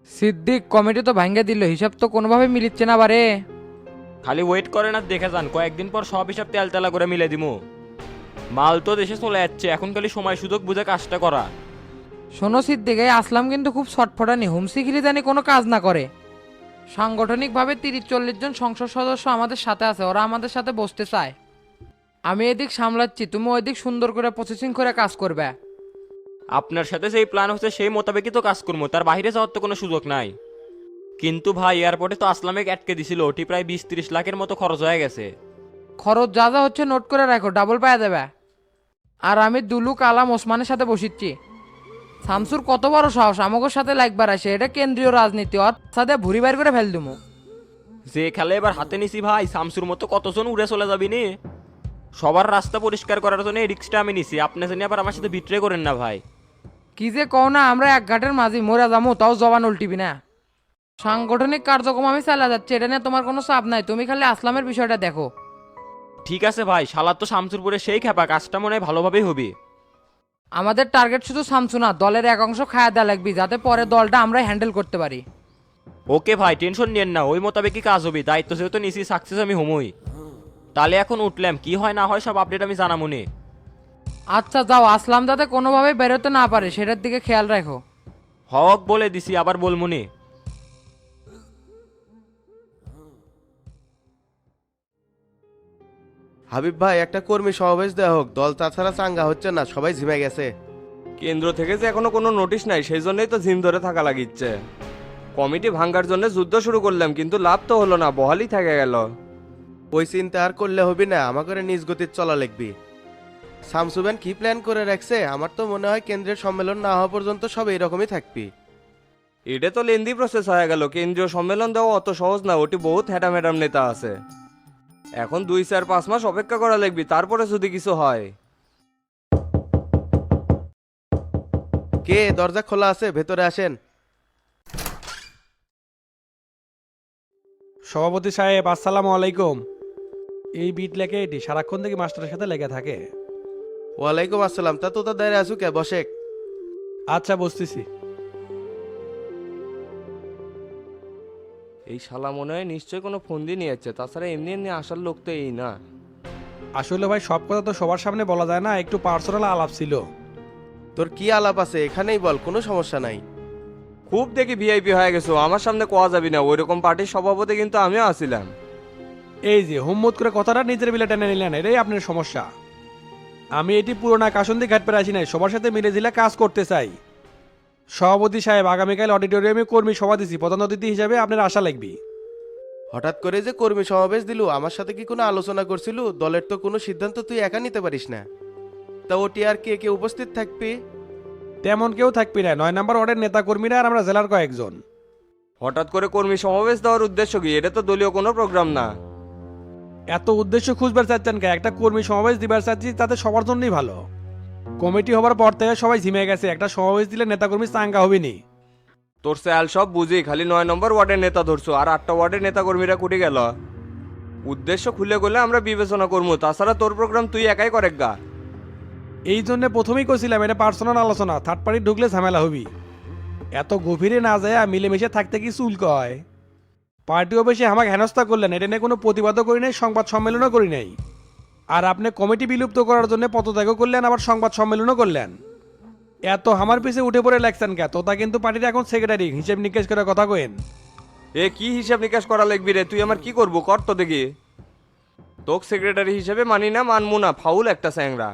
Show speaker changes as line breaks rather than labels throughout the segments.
Siddique committee তো ভাঙ্গে দিল, হিসাব তো কোনোভাবে মিলিচ্ছে না বারে।
খালি ওয়েট করেন আর দেখে যান, কয়েকদিন পর সব হিসাব তেলতেলা করে মিলে দিমু। মাল তো দেশে চলে যাচ্ছে, এখন খালি সময় সুযোগ বুঝে কাজটা করা।
শোনো সিদ্দিক, এই আসলাম কিন্তু খুব ছটফটানি, হুমসি খিলি জানি কোনো কাজ না করে। সাংগঠনিকভাবে 30-40 জন সংসদ সদস্য আমাদের সাথে আছে, ওরা আমাদের সাথে বসতে চায়। আমি এদিক সামলাচ্ছি, তুমি ওইদিক সুন্দর করে প্রসেসিং করে কাজ করবে।
আপনার সাথে যেই প্ল্যান হচ্ছে সেই মোতাবেকই তো কাজ করবো, তার বাইরে যাওয়ার তো কোনো সুযোগ নাই। কিন্তু ভাই এয়ারপোর্টে তো আসলামেক আটকে দিছিল, ওটি প্রায় 20-30 লাখের মতো খরচ হয়ে গেছে।
খরচ যা যা হচ্ছে নোট করে রাখো, ডাবল পায়ে দেবে। আর আমি দুলু কালাম ওসমানের সাথে বসিচ্ছি। শামসুর কত বড় সাহস আমাদের সাথে লাগবার আসে, এটা কেন্দ্রীয় রাজনীতি, ওর সাথে ভুরি বাইর করে ফেল দুমু।
যে খেলে এবার হাতে নিছি ভাই, শামসুর মতো কতজন উড়ে চলে যাবি নি। সবার রাস্তা পরিষ্কার করার জন্য এই রিক্সটা আমি নিছি, আপনি জানি আবার আমার সাথে বিট্রে করেন না ভাই।
কি যে কও না, আমরা এক ঘাটের মাঝি মরে যাবো, তাও জবান উল্টিবি না। সাংগঠনিক কার্যক্রম আমি চালা যাচ্ছে, এটা নিয়ে তোমার কোনো চাপ নাই, তুমি খালি আসলামের বিষয়টা দেখো।
ঠিক আছে ভাই, শালার তো শামসুরপুরে সেই খেপা, কাজটা মনে হয় ভালোভাবেই হবে।
আমাদের টার্গেট শুধু শামসু না, দলের এক অংশ খায়া দেওয়া লাগবে, যাতে পরে দলটা আমরাই হ্যান্ডেল করতে পারি।
ওকে ভাই, টেনশন নিয়েন না, ওই মোতাবেকই কাজ হবে। দায়িত্ব যেহেতু নিছি, সাকসেস আমি হমই। তাহলে এখন উঠলাম, কি হয় না হয় সব আপডেট আমি জানামুনি।
আচ্ছা যাও, আসলাম যাতে কোনোভাবে বেরোতে না পারে সেটার দিকে খেয়াল রাখো।
হক বলে দিছি, আবার বলমুনি।
হাবিব ভাই, একটা কর্মী সমাবেশ দেওয়া হোক, দল তাছাড়া চাঙ্গা হচ্ছে না, সবাই ঝিমে গেছে।
কেন্দ্র থেকে যে এখনো কোনো নোটিশ নাই, সেই জন্যই তো জিম ধরে থাকা লাগিচ্ছে। কমিটি ভাঙ্গার জন্য যুদ্ধ শুরু করলাম, কিন্তু লাভ তো হলো না, বহালই থেকে গেল।
ওই চিন্তা আর করলে হবি না, আমাকে নিজ গতির চলা লিখবি। শামসুবেন কি প্ল্যান করে রাখছে, আমার তো মনে হয় কেন্দ্রের সম্মেলন না হওয়া পর্যন্ত সব এইরকমই থাকবি।
এটা তো লেন্দি প্রসেস হয়ে গেল, কেন্দ্রীয় সম্মেলন দেওয়া অত সহজ না, ওটি বহুত হ্যাডা ম্যাডাম নেতা আছে। এখন 2-4-5 মাস অপেক্ষা করা লাগবে, তারপরে যদি কিছু হয়।
কে, দরজা খোলা আছে, ভেতরে আসেন।
সভাপতি সাহেব, আসসালামু আলাইকুম। এই বিট লেখে এটি সারাক্ষণ থেকে মাস্টারের সাথে লেগে থাকে।
ওয়ালাইকুম আসসালাম, তা তো দাঁড়িয়ে আসু কে, বসে।
আচ্ছা বসতেছি।
এই শালা মনে হয় নিশ্চয়ই কোনো ফোন দিয়ে নিয়ে যাচ্ছে, তাছাড়া এমনি এমনি আসার লোক তো এই না।
আসলে ভাই সব কথা তো সবার সামনে বলা যায় না, একটু পার্সোনাল আলাপ ছিল।
তোর কি আলাপ আছে এখানেই বল, কোনো সমস্যা নাই।
খুব দেখি ভিআইপি হয়ে গেছো, আমার সামনে কোয়া যাবি না, ওইরকম পার্টির সভাপতি কিন্তু আমিও আছিলাম।
এই যে হুম্মত করে কথাটা নিজের বিলে টেনে নিলেন, এটাই আপনার সমস্যা। আমি এটি পুরোনা কাসন্দি ঘাট পেরে আসি নাই, সবার সাথে মিলে ঝিলে কাজ করতে চাই। সভাপতি সাহেব, আগামীকাল অডিটোরিয়ামে কর্মী সভা দিছি, প্রধান অতিথি হিসাবে আপনার আশা লাগবে।
হঠাৎ করে যে কর্মী সমাবেশ দিলু, আমার সাথে কি কোনো আলোচনা করছিল? দলের তো কোনো সিদ্ধান্ত তুই একা নিতে পারিস না। তা ওটি আর কে কে উপস্থিত থাকবি?
তেমন কেউ থাকবি না, 9 নম্বর ওয়ার্ডের নেতা কর্মীরা আর আমরা জেলার কয়েকজন।
হঠাৎ করে কর্মী সমাবেশ দেওয়ার উদ্দেশ্য কি? এটা তো দলীয় কোনো প্রোগ্রাম না।
এত উদ্দেশ্য খুঁজবার চাচ্ছেন কে? একটা কর্মী সমাবেশ দিবার চাচ্ছি, তাতে সবার জন্যই ভালো। কমিটি হবার পর থেকে সবাই ঝিমে গেছে, একটা সমাবেশ দিলে নেতাকর্মী চাঙ্গা হবে নি।
তোর স্যাল সব বুঝি, খালি 9 নম্বর ওয়ার্ডের নেতা ধরছো, আর 8টা ওয়ার্ডের নেতা কর্মীরা কুটি গেল। উদ্দেশ্য খুলে গেলে আমরা বিবেচনা করবো, তাছাড়া তোর প্রোগ্রাম তুই একাই করে গা।
এই জন্য প্রথমেই কইছিলাম এটা পার্সোনাল আলোচনা, থার্ড পার্টি ঢুকলে ঝামেলা হবি। এত গভীরে না যায় মিলেমিশে থাকতে কি চুল কয়। পার্টি অফিসে আমাকে হেনস্থা করলেন, এটা নিয়ে কোনো প্রতিবাদও করি নাই, সংবাদ সম্মেলনও করি নাই। আর আপনি কমিটি বিলুপ্ত করার জন্য পদত্যাগও করলেন, আবার সংবাদ সম্মেলনও করলেন। এত আমার পিছে উঠে পড়ে লাগছেন কে? তোতা কিন্তু পার্টির এখন সেক্রেটারি, হিসেব নিকেশ করে কথা কইন।
এ কি হিসাব নিকাশ করা লাগবি রে? তুই আমার কি করবো কর তো দেখি। তোক সেক্রেটারি হিসেবে মানি না, মানবো না, ফাউল একটা স্যাংরা।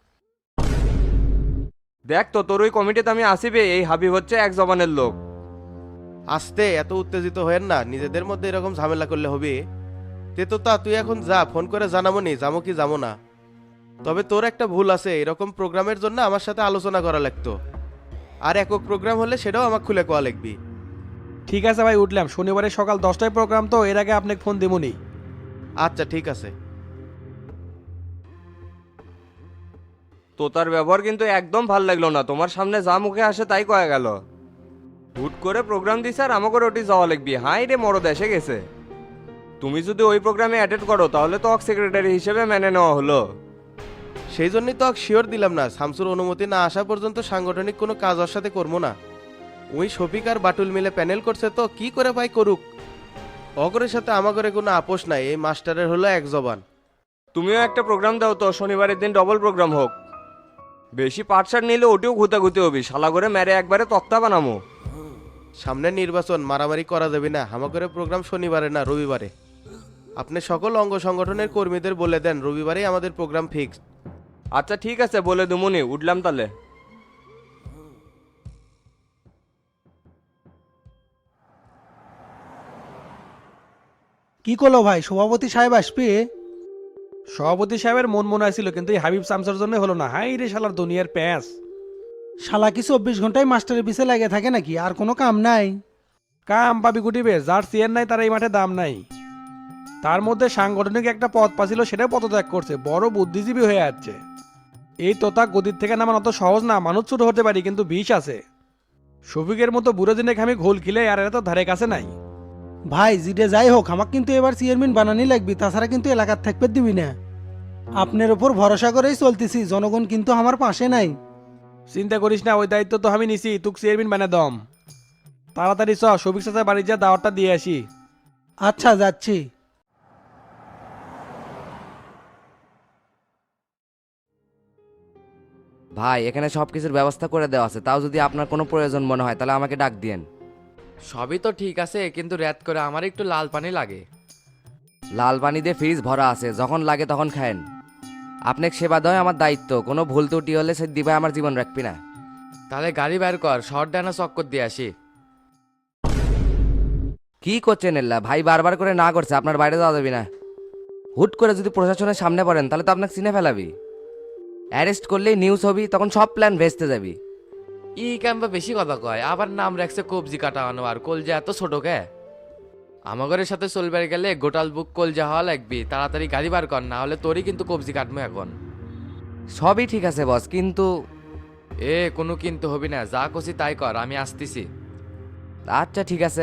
দেখ তো, তোর ওই কমিটিতে আমি আসিবে, এই হাবিব হচ্ছে এক জবানের লোক।
আস্তে, এত উত্তেজিত হয়েন না, নিজেদের মধ্যে এরকম ঝামেলা করলে হবে? তে তো তা তুই এখন যা, ফোন করে জানাবো নি যাবো কি যাবো না। তবে তোর একটা ভুল আছে, এরকম প্রোগ্রামের জন্য আমার সাথে আলোচনা করা লাগতো। আর একক প্রোগ্রাম হলে সেটাও আমাকে খুলে কোয়া লিখবি।
ঠিক আছে ভাই, উঠলাম। শনিবারে সকাল 10টায় প্রোগ্রাম, তো এর আগে আপনাকে ফোন দেবনি।
আচ্ছা ঠিক আছে।
তোতার ব্যবহার কিন্তু একদম ভাল লাগলো না, তোমার সামনে যা মুখে আসে তাই কয়ে গেল। হুট করে প্রোগ্রাম দিছে আর আমাকে ওটি যাওয়া লাগবি, হাই রে মরদ এসে গেছে। তুমি যদি ওই প্রোগ্রামে অ্যাটেন্ড করো তাহলে তো সেক্রেটারি হিসেবে মেনে নেওয়া হলো।
সেই জন্যই তো শিওর দিলাম না, শামসুর অনুমতি না আসা পর্যন্ত সাংগঠনিক কোনো কাজ ওর সাথে করবো না। ওই শফিক আর বাটুল মিলে প্যানেল করছে তো কি করে ভাই করুক, অগরের সাথে আমাগরে কোনো আপোষ নাই, এই মাস্টারের হলো এক জবান।
তুমিও একটা প্রোগ্রাম দাও তো, শনিবারের দিন ডবল প্রোগ্রাম হোক। বেশি পাটসার নিলে ওটিও ঘুতাঘুতি হবি, শালা করে মেরে একবারে তক্তা বানামো।
সামনে নির্বাচন, মারামারি করা যাবে না। আমাগরে প্রোগ্রাম শনিবারে না রবিবারে। আপনি সকল অঙ্গ সংগঠনের কর্মীদের বলে দেন রবিবারেই আমাদের প্রোগ্রাম ফিক্সড।
আচ্ছা ঠিক আছে, বলে দুমুনি, উঠলাম তাহলে।
কি করলো ভাই, সভাপতি সাহেব আসবে?
সভাপতি সাহেবের মন মনে ছিল, কিন্তু এই হাবিব শামসার জন্য হলো না। হাই রে শালার দুনিয়ার প্যাঁচ।
শালা কি 24 ঘন্টায় মাস্টারের পিছে লেগে থাকে নাকি? আর কোনো কাম নাই?
কাম পাবি গুটিবে, যার চেয়ার নাই তার এই মাঠে দাম নাই। তার মধ্যে সাংগঠনিক একটা পদ পাছিল, সেটাও পদত্যাগ করছে, বড় বুদ্ধিজীবী হয়ে যাচ্ছে। এই তোতা গদির থেকে নামান অত সহজ না, মানুষ ছোট হতে পারি কিন্তু বিষ আছে। শফিকের মতো বুড়ো দিনে আমি ঘোল খিলে আর এরা তো ধারে কাছে নাই।
ভাই জিডে যাই হোক, আমাকে কিন্তু এবার চেয়ারম্যান বানানি লাগবে, তাছাড়া কিন্তু এলাকার থাকবে দিবি না। আপনার ওপর ভরসা করেই চলতেছি, জনগণ কিন্তু আমার পাশে নাই।
চিন্তা করিস না, ওই দায়িত্ব তো আমি নিছি, তুক চেয়ারম্যান বানা দম। তাড়াতাড়ি চ, শফিক চাচা বাড়ি যা, দাওয়াতটা দিয়ে আসি।
আচ্ছা যাচ্ছি।
ভাই এখানে সব কিছুর ব্যবস্থা করে দেওয়া আছে, তাও যদি আপনার কোনো প্রয়োজন মনে হয় তাহলে আমাকে ডাক দিয়েন।
সবই তো ঠিক আছে, কিন্তু রাত করে আমার একটু লাল পানি লাগে।
লাল পানি দিয়ে ফ্রিজ ভরা আছে, যখন লাগে তখন খায়েন। আপনাকে সেবা দেওয়া আমার দায়িত্ব, কোনো ভুল ত্রুটি হলে সে দিবাই আমার জীবন রাখবি না।
তাহলে গাড়ি বের কর, শর্ট ডানা চক্কর দিয়ে আসি।
কি করছেন এল্লা? ভাই বারবার করে না করছে, আপনার বাইরে যাওয়া যাবি না। হুট করে যদি প্রশাসনের সামনে পড়েন তাহলে তো আপনাকে চিনে ফেলাবি। অ্যারেস্ট করলেই নিউজ হবি, তখন সব প্ল্যান ভেস্তে যাবি।
ই ক্যাম্পা বেশি কথা কয়, আবার নাম রাখছে কবজি কাটানো, আর কলজা এত ছোট কে? আমাগরের সাথে চলবে গেলে গোটাল বুক কলজা হওয়া লাগবি। তাড়াতাড়ি গাড়ি বার কর, না হলে তোরই কিন্তু কবজি কাটবো এখন।
সবই ঠিক আছে বস, কিন্তু
কোনো কিন্তু হবি না, যা কছি তাই কর, আমি আসতেছি।
আচ্ছা ঠিক আছে।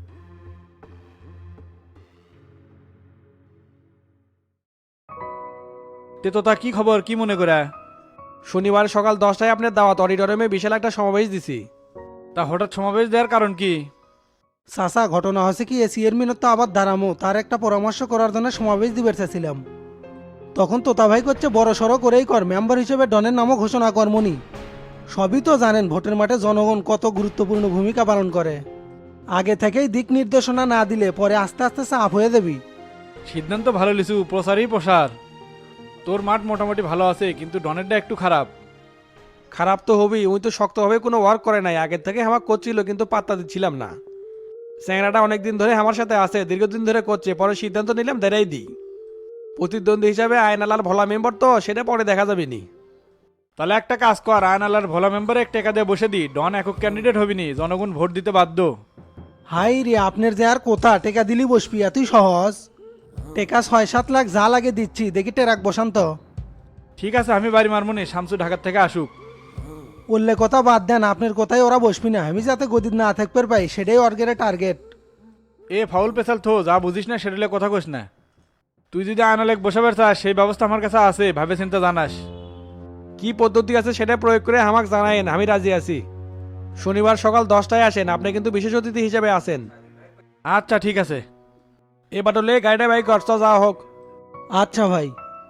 তে তো তা কি খবর, কি মনে করে?
শনিবার সকাল 10টায় আপনার দাওয়াত, অডিটোরিয়ামে বিশাল একটা সমাবেশ দিছি।
তা হঠাৎ সমাবেশ দেওয়ার কারণ কি?
চাচা, ঘটনা হয়েছে কি, চেয়ারম্যানের তো আবার দাঁড়ামো, তার একটা পরামর্শ করার জন্য সমাবেশ দিবে চাইছিলাম। তখন তোতা ভাই করছে বড় সড়ো করেই কর, মেম্বার হিসেবে ডনের নামও ঘোষণা কর্মনি। সবই তো জানেন ভোটের মাঠে জনগণ কত গুরুত্বপূর্ণ ভূমিকা পালন করে। আগে থেকেই দিক নির্দেশনা না দিলে পরে আস্তে আস্তে চাপ হয়ে যাবি।
সিদ্ধান্ত ভালো লিছু, প্রসারই প্রসার। তোর মাঠ মোটামুটি ভালো আছে, কিন্তু ডনেরটা একটু খারাপ।
খারাপ তো হবেই, ওই তো শক্তভাবে কোনো ওয়ার্ক করে নাই, আগের থেকে আমার করছিল কিন্তু পাত্তা দিচ্ছিলাম না। স্যাংরাটা অনেকদিন ধরে আমার সাথে আছে, দীর্ঘদিন ধরে করছে, পরে সিদ্ধান্ত নিলাম দেরাই দিই। প্রতিদ্বন্দ্বী হিসাবে আয়নালাল ভোলা মেম্বার তো, সেটা পরে দেখা যাবে নি।
তাহলে একটা কাজ কর, আয়নালার ভোলা মেম্বারে এক টাকা দিয়ে বসে দি, ডন একক ক্যান্ডিডেট হবি নি, জনগণ ভোট দিতে বাধ্য।
হাই রে, আপনার যে আর কোথা টেকা দিলি বসবি, এতই সহজ? টেকা 6-7 লাখ যা লাগে দিচ্ছি, দেখি টেরাক বসান্ত।
ঠিক আছে, আমি বাড়ি মারমুনি, শামসু ঢাকার থেকে আসুক।
বললে কথা বাদ দেন, আপনার কথাই ওরা বসবি না, আমি যাতে গদির না থাকতে পাই সেটাই অর্গের টার্গেট।
এ ফাউল পেশাল থো, যা বুঝিস না সেটা কথা কোস না। তুই যদি আয়নালেক বসাবার চাস, সেই ব্যবস্থা আমার কাছে আছে, ভাবে চিন্তা জানাস।
কি পদ্ধতি আছে সেটা প্রয়োগ করে আমাকে জানায়েন, আমি রাজি আছি। শনিবার সকাল 10টায় আসেন, আপনি কিন্তু বিশেষ অতিথি হিসেবে আসেন।
আচ্ছা ঠিক আছে।
এ বাটলে গাড়িটা বাইক করছ যা হোক।
আচ্ছা ভাই।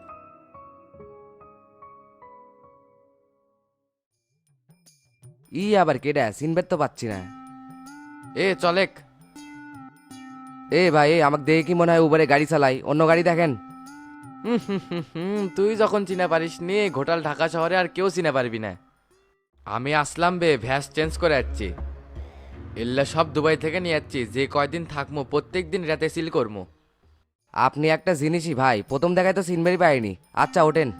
আবার কেডা চিনবের তো পাচ্ছি না।
চলেক।
ভাই আমাকে দেখে কি মনে হয় উবারে গাড়ি চালাই? অন্য গাড়ি দেখেন।
তুই যখন চিনে পারিস নি, ঘোটাল ঢাকা শহরে আর কেউ চিনে পারবি না। আমি আসলাম বে, ভ্যাস চেঞ্জ করে যাচ্ছি। এল্লা সব দুবাই থেকে নিয়ে যাচ্ছি, যে কয়দিন থাকবো প্রত্যেক দিন রাতে সিল করবো।
আপনি একটা জিনিসই ভাই, প্রথম দেখায় তো চিনবেরই পাইনি। আচ্ছা ওঠেন।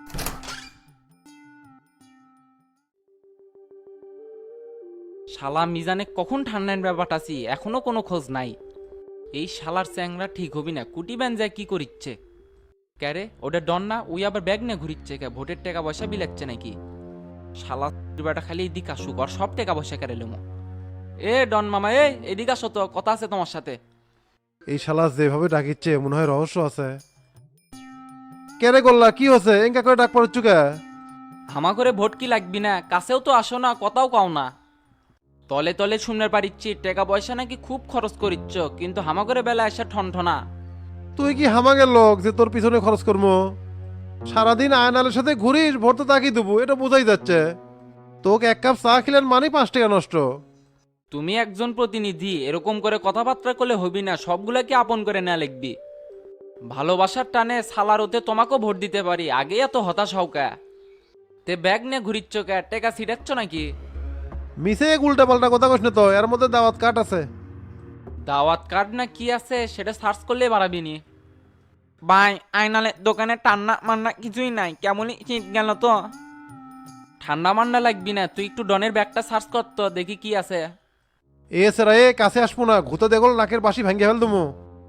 শালা মিজানে কখন ঠান্ডার ব্যাপারটা আছি, এখনো কোনো খোঁজ নাই। এই শালার চ্যাংরা ঠিক হবি না, কুটি ব্যান যায় কি করিচ্ছে? ক্যারে ওটা ডন না, ওই আবার ব্যাগ নিয়ে ঘুরিচ্ছে কে? ভোটের টাকা পয়সা বিলাচ্ছে নাকি? শালা বেটা খালি এদিক আসুক, আর সব টাকা পয়সা কেড়ে লুমো। ডন মামা, এদিক আসো তো, কথা আছে তোমার সাথে।
এই শালা যেভাবে ডাকিচ্ছে মনে হয় রহস্য আছে। কেরে গোল্লা কি হচ্ছে, এঙ্কা করে ডাক পড়ছ কে?
হামা করে ভোট কি লাগবি না, কাছেও তো আসো না, কথাও কাও না। তলে তলে শুনতে পারিচ্ছি টাকা পয়সা নাকি খুব খরচ করিচ্ছ, কিন্তু হামাগরে বেলা আসা ঠনঠনা।
তুই কি হামাগের লোক যে তোর পিছনে খরচ করবো? সারাদিন আয়নালের সাথে ঘুরিস, ভোর তো তাকিয়ে দেবো, এটা বোঝাই যাচ্ছে। তোকে এক কাপ চা খেলেন মানে 5 টাকা নষ্ট।
তুমি একজন প্রতিনিধি, এরকম করে কথাবার্তা করলে হবি না, সবগুলাকে আপন করে নেওয়া লিখবি। ভালোবাসার টানে সালার ওতে তোমাকেও ভোট দিতে পারি, আগে এত হতাশ হও কে? তে ব্যাগ নিয়ে ঘুরিচ্ছ কে? টেকা ছিটাচ্ছ নাকি?
মিসে উল্টা পাল্টা কথা কইস না তো, এর মধ্যে দাওয়াত কাট আছে।
দাওয়াত কার্ড না কি আছে সেটা সার্চ করলে বাড়াবি নি। ভাই আইনালে দোকানে টান্না মান্না কিছুই নাই, কেমনই শীত গেল তো। ঠান্ডা মান্ডা লাগবি না, তুই একটু ডনের ব্যাগটা সার্চ কর তো, দেখি কি আছে।
এ সেরা এ কাছে আসবো না, ঘুতে দেখল নাকের বাসি ভেঙে ফেল তুমি।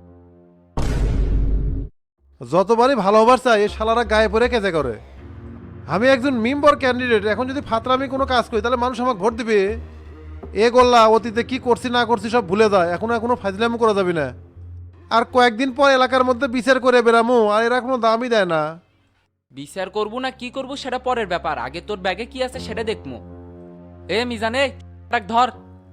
যতবারই ভালো হবার চাই এ শালারা গায়ে পড়ে কেজে করে। আমি একজন মেম্বার ক্যান্ডিডেট, এখন যদি ফাতরামি কোনো কাজ করি তাহলে মানুষ আমাকে ভোট দিবে। এ গোল্লা অতীতে কি করছি না করছি সব ভুলে যায়, এখনো ফাজলামো করা যাবে না। আর কয়েকদিন পর এলাকার মধ্যে বিচার করে বেরামো, আর এরা কোনো দামই দেয় না।
বিচার করবো না কি করবো সেটা পরের ব্যাপার, আগে তোর ব্যাগে কি আছে সেটা দেখবো। এ মিজানে ধর।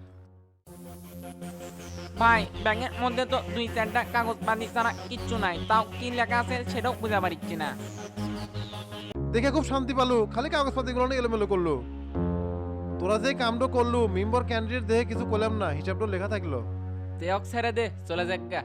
ভাই ব্যাগের মধ্যে তো 2-4টা কাগজ বানি ছাড়া কিচ্ছু নাই, তাও কি লেখা আছে সেটাও বুঝা পারছি না।
দেখে খুব শান্তি পালু, খালি কাগজপাতিগুলো নিয়ে এলোমেলো করলো। তোরা যে কামটা করলু মেম্বার ক্যান্ডিডেট দেখে কিছু করলাম না, হিসাবটা লেখা থাকলো।
দেখ ছেড়ে দে, চলে যাক গা।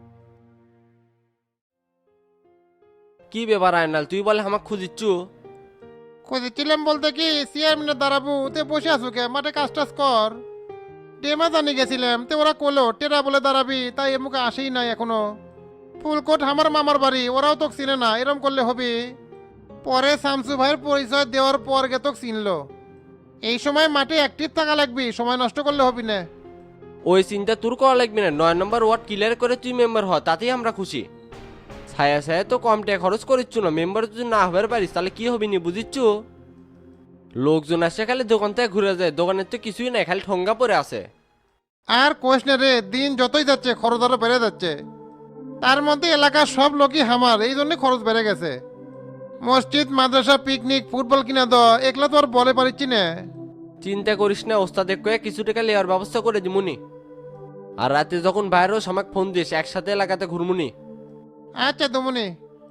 কি ব্যাপার আয়নাল, তুই বলে আমাকে খুঁজিচ্ছু?
খুঁজেছিলাম বলতে কি চেয়ারম্যানের দাঁড়াবো, তে বসে আছো কে? মাঠে কাজ টাজ কর। টেমা জানি গেছিলাম, তে ওরা কলো টেরা বলে দাঁড়াবি, তাই এ মুখে আসেই নাই এখনো। ফুলকোট আমার মামার বাড়ি, ওরাও তোকে চিনে না, এরম করলে হবে? পরে শামসু ভাইয়ের পরিচয় দেওয়ার পর গে তোকে চিনলো। এই সময় মাঠে অ্যাক্টিভ থাকা লাগবি, সময় নষ্ট করলে হবি না।
ওই চিন্তা তোর করা লাগবে না, 9 নম্বর ওয়ার্ড ক্লিয়ার করে তুই মেম্বার হ, তাতেই আমরা খুশি। ছায়া ছায়া তো কম টাকা খরচ করিচ্ছ না, মেম্বার যদি না হবার পারিস তাহলে কি হবি নি বুঝিচ্ছ? লোকজন আসে খালি দোকান থেকে ঘুরে যায়, দোকানের তো কিছুই নাই, খালি ঠঙ্গা পরে আছে।
আর কোষ না রে, দিন যতই যাচ্ছে খরচ আরো বেড়ে যাচ্ছে। তার মধ্যে এলাকার সব লোকই হামার, এই জন্য খরচ বেড়ে গেছে। মসজিদ মাদ্রাসা পিকনিক ফুটবল কিনা দেওয়া একলা তো আর বলে পারিচ্ছি না।
চিন্তা করিস না, ওস্তাদ কয়ে কিছু টাকা লেওয়ার ব্যবস্থা করে দিমুনি। আর রাতে যখন বাইরেও আমাকে ফোন দিস, একসাথে এলাকাতে ঘুরমুনি।
আচ্ছা দমনি।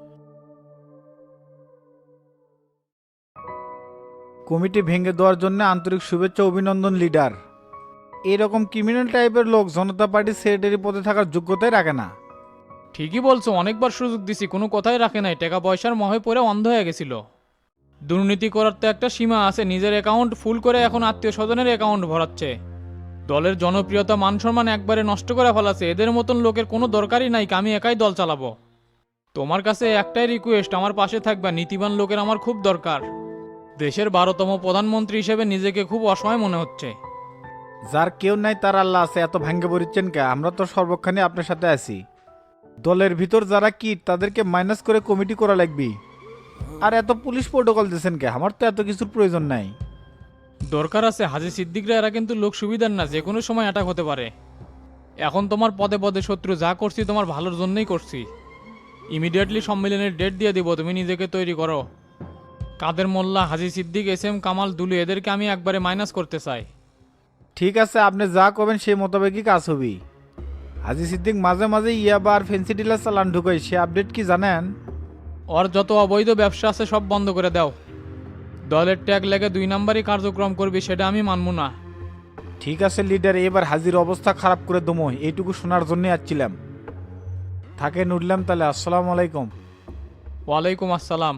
কমিটি ভেঙে দেওয়ার জন্য আন্তরিক শুভেচ্ছা অভিনন্দন লিডার। এরকম ক্রিমিনাল টাইপের লোক জনতা পার্টির সেক্রেটারি পদে থাকার যোগ্যতাই রাখে না।
ঠিকই বলছো, অনেকবার সুযোগ দিছি, কোনো কথাই রাখে নাই, টাকা পয়সার মহে পড়ে অন্ধ হয়ে গেছিল। দুর্নীতি করার তো একটা সীমা আছে, নিজের অ্যাকাউন্ট ফুল করে এখন আত্মীয় স্বজনের অ্যাকাউন্ট ভরাচ্ছে। দলের জনপ্রিয়তা মান সম্মান একবারে নষ্ট করে ফেলাছে, এদের মতন লোকের কোনো দরকারই নাই, আমি একাই দল চালাবো। তোমার কাছে একটাই রিকোয়েস্ট, আমার পাশে থাকবা, নীতিবান লোকের আমার খুব দরকার। দেশের 12তম প্রধানমন্ত্রী হিসেবে নিজেকে খুব অসহায় মনে হচ্ছে।
যার কেউ নাই তার আল্লাহ আছে, এত ভাঙ্গে পড়িচ্ছেন কে? আমরা তো সর্বক্ষণে আপনার সাথে আছি। দলের ভিতর যারা কিট তাদেরকে মাইনাস করে কমিটি করা লাগবে। আর এত পুলিশ প্রোটোকল দিয়েছেন কে? আমার তো এত কিছুর প্রয়োজন নাই।
দরকার আছে, হাজি সিদ্দিকরা এরা কিন্তু লোক সুবিধার না, যে কোনো সময় অ্যাটাক হতে পারে। এখন তোমার পদে পদে শত্রু, যা করছি তোমার ভালোর জন্যই করছি। ইমিডিয়েটলি সম্মেলনের ডেট দিয়ে দিব, তুমি নিজেকে তৈরি করো। কাদের মোল্লা, হাজি সিদ্দিক, SM কামাল, দুলু এদেরকে আমি একবারে মাইনাস করতে চাই।
ঠিক আছে, আপনি যা করবেন সেই মোতাবেকই কাজ হবে। হাজি সিদ্দিক মাঝে মাঝে ইয়াবা আর ফেন্সি ডিলার চালান ঢুকাই, সে আপডেট কি জানেন?
ওর যত অবৈধ ব্যবসা আছে সব বন্ধ করে দাও। দলের ট্যাগ লেগে 2 নাম্বারই কার্যক্রম করবি, সেটা আমি মানব না।
ঠিক আছে লিডার, এবার হাজির অবস্থা খারাপ করে দমো, এইটুকু শোনার জন্য আসছিলাম। থাকেন, উঠলাম তাহলে। আসসালামু আলাইকুম।
ওয়ালাইকুম আসসালাম।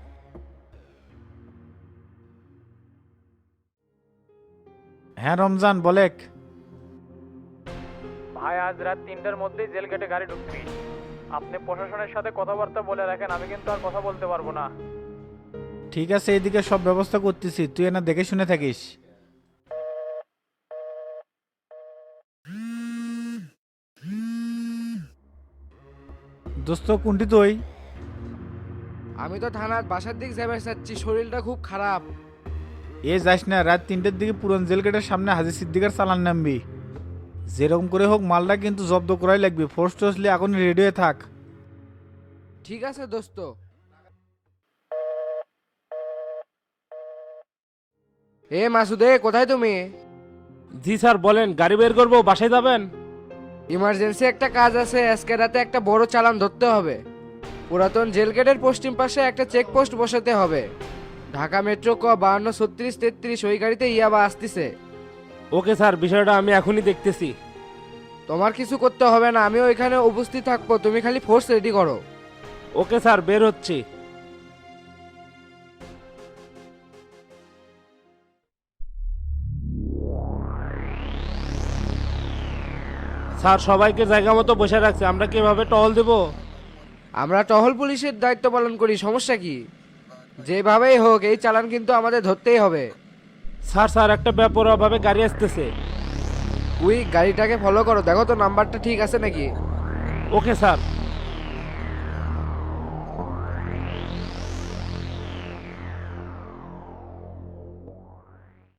হ্যাঁ রমজান বলেক।
ভাই আজ রাত 3টার মধ্যেই জেল গেটে গাড়ি ঢুকবি। আপনি প্রশাসনের সাথে কথাবার্তা বলে রাখেন, আমি কিন্তু আর কথা বলতে পারবো না।
ঠিক আছে, এদিকে সব ব্যবস্থা করতেছি, তুই এনা দেখে শুনে থাকিস। দোস্ত কোনটি তুই?
আমি তো থানার বাসার দিক যাবে চাচ্ছি, শরীরটা খুব খারাপ।
এ যাস না, রাত 3টের দিকে পুরন জেল গেটের সামনে হাজি সিদ্দিকের চালান নামবি। যেরকম করে হোক মালটা কিন্তু জব্দ করাই লাগবে, ফোর্স টোসলি এখন রেডি হয়ে থাক।
ঠিক আছে দোস্ত। এ মাসুদে, কোথায় তুমি?
জি স্যার বলেন, গাড়ি বের করবো, বাসায় যাবেন?
ইমার্জেন্সি একটা কাজ আছে, আজকে রাতে একটা বড় চালান ধরতে হবে। পুরাতন জেল গেটের পশ্চিম পাশে একটা চেকপোস্ট বসাতে হবে। ঢাকা মেট্রো ক 523633 ওই গাড়িতে ইয়াবা আসতেছে।
ওকে স্যার, বিষয়টা আমি এখনই দেখতেছি।
তোমার কিছু করতে হবে না, আমি ওইখানে উপস্থিত থাকবো, তুমি খালি ফোর্স রেডি করো।
ওকে স্যার, বের হচ্ছি। স্যার সবাইকে জায়গা মতো বসে রাখছে, আমরা কিভাবে টহল দেব?
আমরা টহল পুলিশের দায়িত্ব পালন করি, সমস্যা কি? যেভাবেই হোক এই চালান কিন্তু আমাদের ধরতেই হবে।
স্যার স্যার একটা ব্যাপারভাবে গাড়ি আসতেছে।
ওই গাড়িটাকে ফলো করো, দেখো তো নাম্বারটা ঠিক আছে নাকি।
Okay sir.